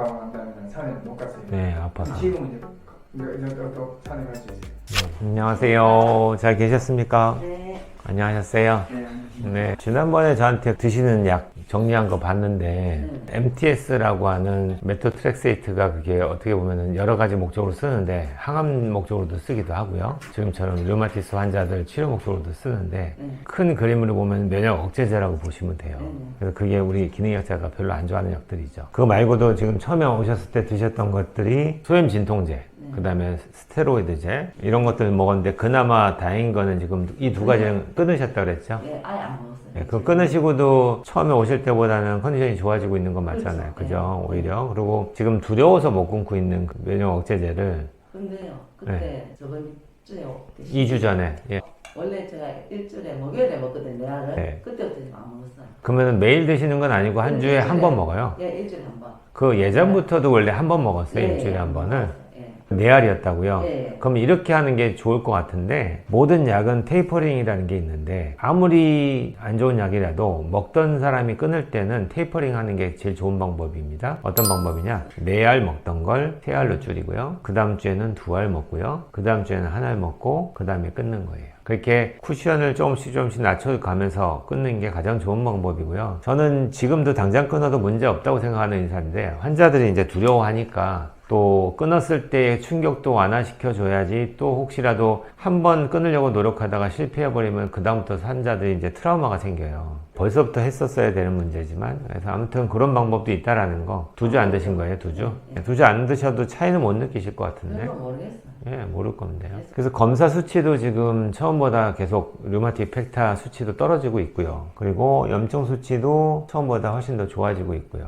돌아가고 난 다음에 산에 못 갔어요. 네, 아파서. 지금은 이제 또 산에 갈 수 있어요. 안녕하세요. 잘 계셨습니까? 네. 안녕하셨어요. 네. 네, 지난번에 저한테 드시는 약 정리한 거 봤는데 MTS라고 하는 메토트렉세이트가 그게 어떻게 보면은 여러 가지 목적으로 쓰는데 항암 목적으로도 쓰기도 하고요. 지금처럼 류마티스 환자들 치료 목적으로도 쓰는데 큰 그림으로 보면 면역 억제제라고 보시면 돼요. 그래서 그게 우리 기능의학자가 별로 안 좋아하는 약들이죠. 그거 말고도 지금 처음에 오셨을 때 드셨던 것들이 소염 진통제, 그 다음에 스테로이드제 이런 것들 먹었는데 그나마 다행인 거는 지금 이 두 가지는 끊으셨다고 그랬죠? 예, 아예 안 먹었어요. 네, 그거 끊으시고도 처음에 오실 때보다는 컨디션이 좋아지고 있는 건 맞잖아요. 그렇죠. 그죠? 오히려. 그리고 지금 두려워서 못 끊고 있는 그 면역 억제제를 근데요, 그때 저번 주에 2주 전에. 예. 원래 제가 일주일에 목요일에 먹거든요, 약을. 네. 그때부터 지금 안 먹었어요. 그러면 매일 드시는 건 아니고 한 주에 한 번 먹어요? 예, 일주일에 한 번. 그 예전부터도 원래 한 번 먹었어요. 예, 일주일에 예, 한 번을. 예. 네알이었다고요? 예. 그럼 이렇게 하는 게 좋을 것 같은데 모든 약은 테이퍼링이라는 게 있는데 아무리 안 좋은 약이라도 먹던 사람이 끊을 때는 테이퍼링 하는 게 제일 좋은 방법입니다. 어떤 방법이냐? 4알 먹던 걸 3알로 줄이고요. 그 다음 주에는 2알 먹고요. 그 다음 주에는 1알 먹고 그 다음에 끊는 거예요. 그렇게 쿠션을 조금씩 낮춰가면서 끊는 게 가장 좋은 방법이고요. 저는 지금도 당장 끊어도 문제 없다고 생각하는 인사인데 환자들이 이제 두려워하니까 또 끊었을 때의 충격도 완화시켜 줘야지 또 혹시라도 한 번 끊으려고 노력하다가 실패해버리면 그 다음부터 환자들이 이제 트라우마가 생겨요. 벌써부터 했었어야 되는 문제지만 그래서 아무튼 그런 방법도 있다라는 거. 2주 안 드신 거예요? 2주? 2주 안 드셔도 차이는 못 느끼실 것 같은데. 그건 모르겠어요. 예, 모를 건데요. 그래서 검사 수치도 지금 처음보다 계속 류마틱 팩타 수치도 떨어지고 있고요. 그리고 염증 수치도 처음보다 훨씬 더 좋아지고 있고요.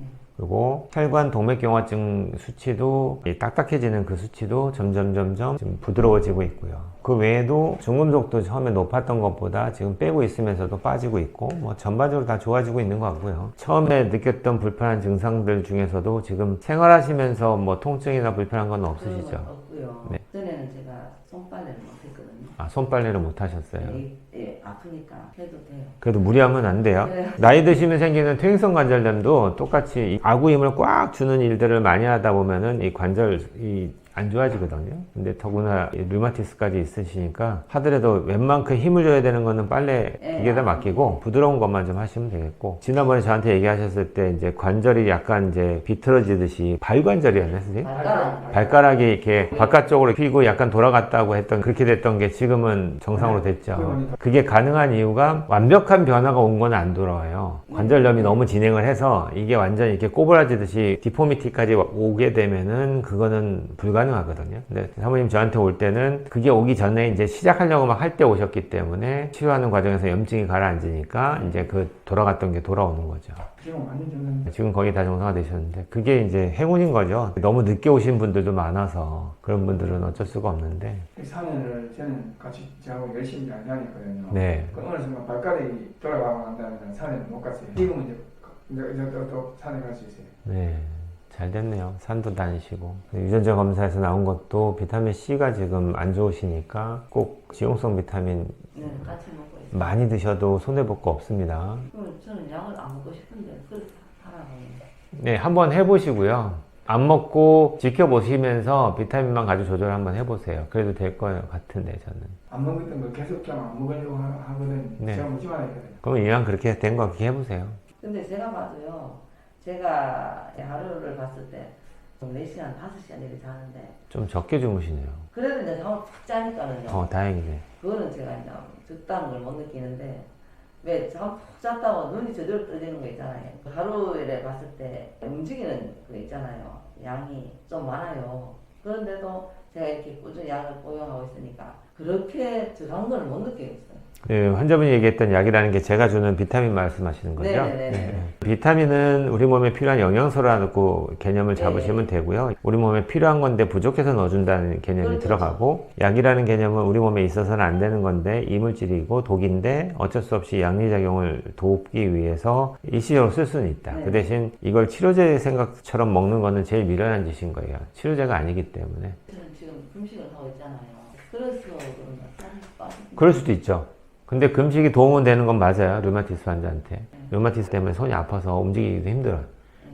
그리고 혈관 동맥경화증 수치도 딱딱해지는 그 수치도 점점 좀 부드러워지고 있고요. 그 외에도 중금속도 처음에 높았던 것보다 지금 빼고 있으면서도 빠지고 있고 뭐 전반적으로 다 좋아지고 있는 것 같고요. 처음에 느꼈던 불편한 증상들 중에서도 지금 생활하시면서 뭐 통증이나 불편한 건 없으시죠? 없고요. 네. 전에는 제가 손빨래를 못 했거든요. 아, 손빨래를 못 하셨어요? 예, 아프니까 해도 돼요. 그래도 무리하면 안 돼요. 네. 나이 드시면 생기는 퇴행성 관절염도 똑같이 이 아구 힘을 꽉 주는 일들을 많이 하다 보면은 이 관절이 안 좋아지거든요. 근데 더구나 류마티스까지 있으시니까 하더라도 웬만큼 힘을 줘야 되는 거는 빨래 기계에다 맡기고 부드러운 것만 좀 하시면 되겠고 지난번에 저한테 얘기하셨을 때 이제 관절이 약간 이제 비틀어지듯이 발관절이었나요, 선생님? 발가락이 이렇게 바깥쪽으로 휘고 약간 돌아갔다고 했던 그렇게 됐던 게 지금은 정상으로 됐죠. 그게 가능한 이유가 완벽한 변화가 온 건 안 돌아와요. 관절염이 너무 진행을 해서 이게 완전히 이렇게 꼬부라지듯이 디포미티까지 오게 되면은 그거는 불가능하거든요. 근데 사모님 저한테 올 때는 그게 오기 전에 이제 시작하려고 막 할 때 오셨기 때문에 치료하는 과정에서 염증이 가라앉으니까 이제 그 돌아갔던 게 돌아오는 거죠. 지금 완전 정상. 지금 거의 다 정상화 되셨는데 그게 이제 행운인 거죠. 너무 늦게 오신 분들도 많아서 그런 분들은 어쩔 수가 없는데 산에를 저는 같이 저하고 열심히 다녔거든요. 네. 그 어느 순간 발가락이 돌아가고 난 다음에 산에 못 갔어요. 지금은 이제 또 산에 갈 수 있어요. 네. 잘 됐네요. 산도 다니시고. 유전자 검사에서 나온 것도 비타민 C가 지금 안 좋으시니까 꼭 지용성 비타민 네, 같이 먹고 있어요. 많이 드셔도 손해볼 거 없습니다. 저는 약을 안 먹고 싶은데 그래서 하라고. 네, 한번 해보시고요. 안 먹고 지켜보시면서 비타민만 가지고 조절 한번 해보세요. 그래도 될 거예요. 같은데 저는. 안 먹었던 걸 계속 좀 안 먹으려고 하거든. 네. 제가 먹지 말아야 되거든. 그럼 이왕 그렇게 된 거 그렇게 해보세요. 근데 제가 봐도요. 제가 하루를 봤을 때 4시간, 5시간 이렇게 자는데 좀 적게 주무시네요. 그래도 이제 잠을 푹 자니까는요. 다행이네. 그거는 제가 이제 적다는 걸 못 느끼는데 왜 잠 푹 잤다고 눈이 저절로 떠지는 거 있잖아요. 하루에 봤을 때 움직이는 거 있잖아요. 양이 좀 많아요. 그런데도 제가 이렇게 꾸준히 약을 복용하고 있으니까 그렇게 적은 걸 못 느끼겠어요. 네, 환자분이 얘기했던 약이라는 게 제가 주는 비타민 말씀하시는 거죠? 네네네. 네. 비타민은 우리 몸에 필요한 영양소라고 개념을 잡으시면 되고요. 우리 몸에 필요한 건데 부족해서 넣어준다는 개념이 그렇죠. 들어가고 약이라는 개념은 우리 몸에 있어서는 안 되는 건데 이물질이고 독인데 어쩔 수 없이 양리작용을 돕기 위해서 일시적으로 쓸 수는 있다. 네. 그 대신 이걸 치료제 생각처럼 먹는 거는 제일 미련한 짓인 거예요. 치료제가 아니기 때문에. 저는 지금 금식을 하고 있잖아요. 그래서 그런가 살이 빠지는 그럴 수도 있죠. 근데 금식이 도움은 되는 건 맞아요. 류마티스 환자한테. 류마티스 때문에 손이 아파서 움직이기도 힘들어요.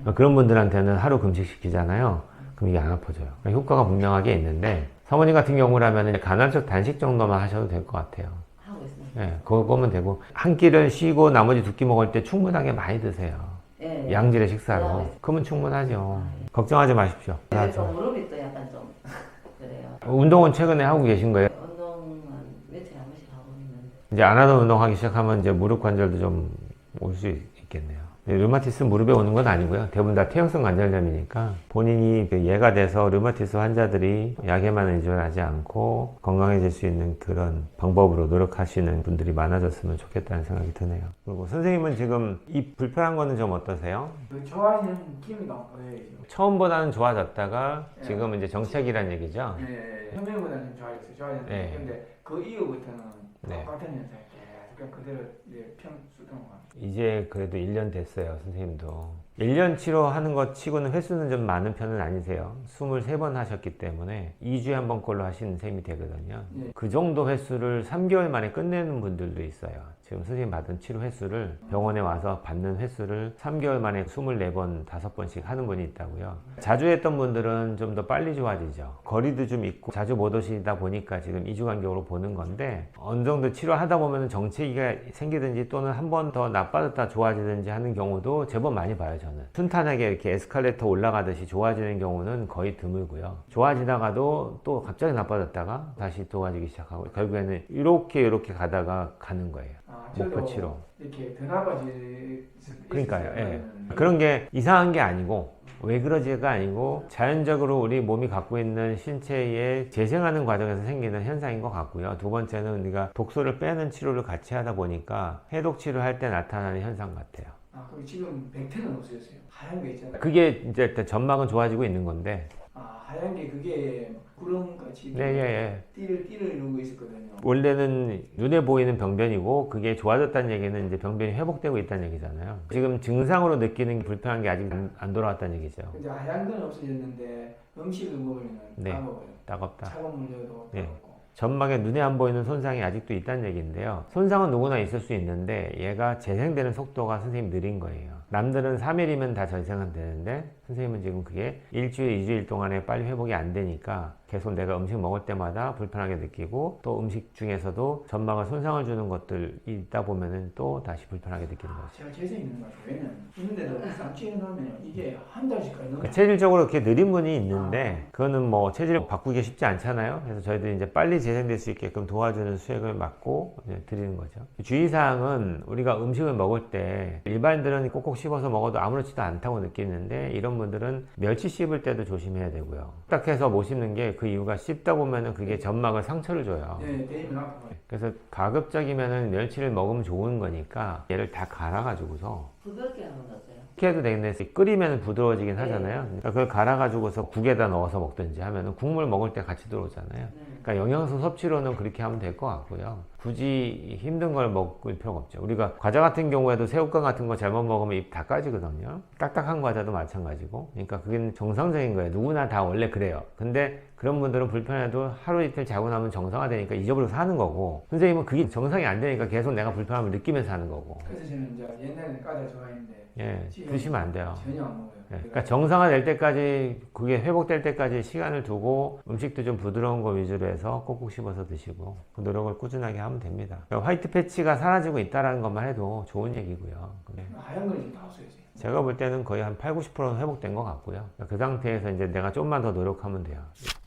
그런 분들한테는 하루 금식시키잖아요. 그럼 이게 안 아파져요. 그러니까 효과가 분명하게 있는데 사모님 같은 경우라면 간헐적 단식 정도만 하셔도 될 것 같아요. 하고 있습니다. 예, 그거면 되고 한 끼를 쉬고 나머지 두 끼 먹을 때 충분하게 많이 드세요. 예, 예. 양질의 식사로. 그러면 충분하죠. 걱정하지 마십시오. 근데 또 무릎이 또 약간 좀 그래요. 운동은 최근에 하고 계신 거예요? 운동은 며칠에 한 번씩 하고 있는데 이제 안 하던 운동하기 시작하면 이제 무릎 관절도 좀 올 수 있겠네요. 류마티스 무릎에 오는 건 아니고요. 대부분 다 퇴행성 관절염이니까 본인이 그 예가 돼서 류마티스 환자들이 약에만 의존하지 않고 건강해질 수 있는 그런 방법으로 노력하시는 분들이 많아졌으면 좋겠다는 생각이 드네요. 그리고 선생님은 지금 이 불편한 거는 좀 어떠세요? 그 좋아하시는 기미가 보여요 지금. 처음보다는 좋아졌다가 지금은 이제 정책이란 얘기죠. 네, 처음에보다는 좀 좋아졌어요. 좋아졌는데 네. 근데 그 이후부터는 네. 똑같은 현상이 계속 그냥 그대로 이제 평수던 것 같아요. 이제 그래도 1년 됐어요, 선생님도. 1년 치료하는 것 치고는 횟수는 좀 많은 편은 아니세요. 23번 하셨기 때문에 2주에 한 번 꼴로 하시는 셈이 되거든요. 네. 그 정도 횟수를 3개월 만에 끝내는 분들도 있어요. 지금 선생님 받은 치료 횟수를 병원에 와서 받는 횟수를 3개월 만에 24번, 5번씩 하는 분이 있다고요. 자주 했던 분들은 좀 더 빨리 좋아지죠. 거리도 좀 있고 자주 못 오시다 보니까 지금 2주 간격으로 보는 건데 어느 정도 치료하다 보면 정체기가 생기든지 또는 한 번 더 나빠졌다 좋아지든지 하는 경우도 제법 많이 봐요, 저는. 순탄하게 이렇게 에스컬레이터 올라가듯이 좋아지는 경우는 거의 드물고요. 좋아지다가도 또 갑자기 나빠졌다가 다시 좋아지기 시작하고 결국에는 이렇게 가다가 가는 거예요. 목표 치료. 이렇게 더 나빠질 수 그러니까요. 있어요. 예. 그런 게 이상한 게 아니고 왜 그러지가 아니고 자연적으로 우리 몸이 갖고 있는 신체에 재생하는 과정에서 생기는 현상인 것 같고요. 두 번째는 우리가 독소를 빼는 치료를 같이 하다 보니까 해독 치료할 때 나타나는 현상 같아요. 그럼 지금 백태는 없어졌어요. 하얀 게 있잖아요. 그게 이제 일단 점막은 좋아지고 있는 건데 하얀 게 그게 구름같이 네, 예. 띠를 이루고 있었거든요. 원래는 눈에 보이는 병변이고 그게 좋아졌다는 얘기는 이제 병변이 회복되고 있다는 얘기잖아요. 지금 증상으로 느끼는 게 불편한 게 아직 안 돌아왔다는 얘기죠. 근데 하얀 건 없어졌는데 음식을 먹으면 네. 따먹어요. 따갑다. 차가운 물 줘도 네. 따갑고. 점막에 눈에 안 보이는 손상이 아직도 있다는 얘기인데요. 손상은 누구나 있을 수 있는데 얘가 재생되는 속도가 선생님 느린 거예요. 남들은 3일이면 다 재생은 되는데 선생님은 지금 그게 일주일, 2주일 동안에 빨리 회복이 안 되니까 계속 내가 음식 먹을 때마다 불편하게 느끼고 또 음식 중에서도 점막에 손상을 주는 것들이 있다 보면은 또 다시 불편하게 느끼는 거죠. 제가 재수 있는 것 같아요. 왜냐면 있는데도 쌈치에 넣으면 이게 한 달씩 가요. 그러니까 체질적으로 이렇게 느린 분이 있는데 그거는 뭐 체질을 바꾸기 쉽지 않잖아요. 그래서 저희들이 이제 빨리 재생될 수 있게끔 도와주는 수액을 맞고 이제 드리는 거죠. 주의사항은 우리가 음식을 먹을 때 일반인들은 꼭꼭 씹어서 먹어도 아무렇지도 않다고 느끼는데 이런 분들은 멸치 씹을 때도 조심해야 되고요. 딱 해서 못 씹는 게 그 이유가 씹다 보면은 그게 점막을 상처를 줘요. 네, 데이면 아파요. 그래서 가급적이면은 멸치를 먹으면 좋은 거니까 얘를 다 갈아가지고서 부드럽게 하는 거 어때요? 이렇게 해도 되겠네. 끓이면 부드러워지긴 네. 하잖아요. 그러니까 그걸 갈아가지고서 국에다 넣어서 먹든지 하면은 국물 먹을 때 같이 들어오잖아요. 네. 그러니까 영양소 섭취로는 그렇게 하면 될 것 같고요. 굳이 힘든 걸 먹을 필요가 없죠. 우리가 과자 같은 경우에도 새우깡 같은 거 잘못 먹으면 입 다 까지거든요. 딱딱한 과자도 마찬가지고. 그러니까 그게 정상적인 거예요. 누구나 다 원래 그래요. 근데 그런 분들은 불편해도 하루 이틀 자고 나면 정상화되니까 잊어버려서 하는 거고 선생님은 그게 정상이 안 되니까 계속 내가 불편함을 느끼면서 하는 거고. 그래서 저는 이제 옛날에 과자 좋아했는데 예, 드시면 안 돼요. 전혀 안 먹어요. 예, 그러니까 정상화될 때까지 그게 회복될 때까지 시간을 두고 음식도 좀 부드러운 거 위주로 해서 꼭꼭 씹어서 드시고 그 노력을 꾸준하게 하면 됩니다. 그러니까 화이트 패치가 사라지고 있다는 것만 해도 좋은 얘기고요. 네. 하얀 건 지금 다 없어졌어요. 제가 볼 때는 거의 한 80-90%는 회복된 것 같고요. 그 상태에서 이제 내가 좀만 더 노력하면 돼요.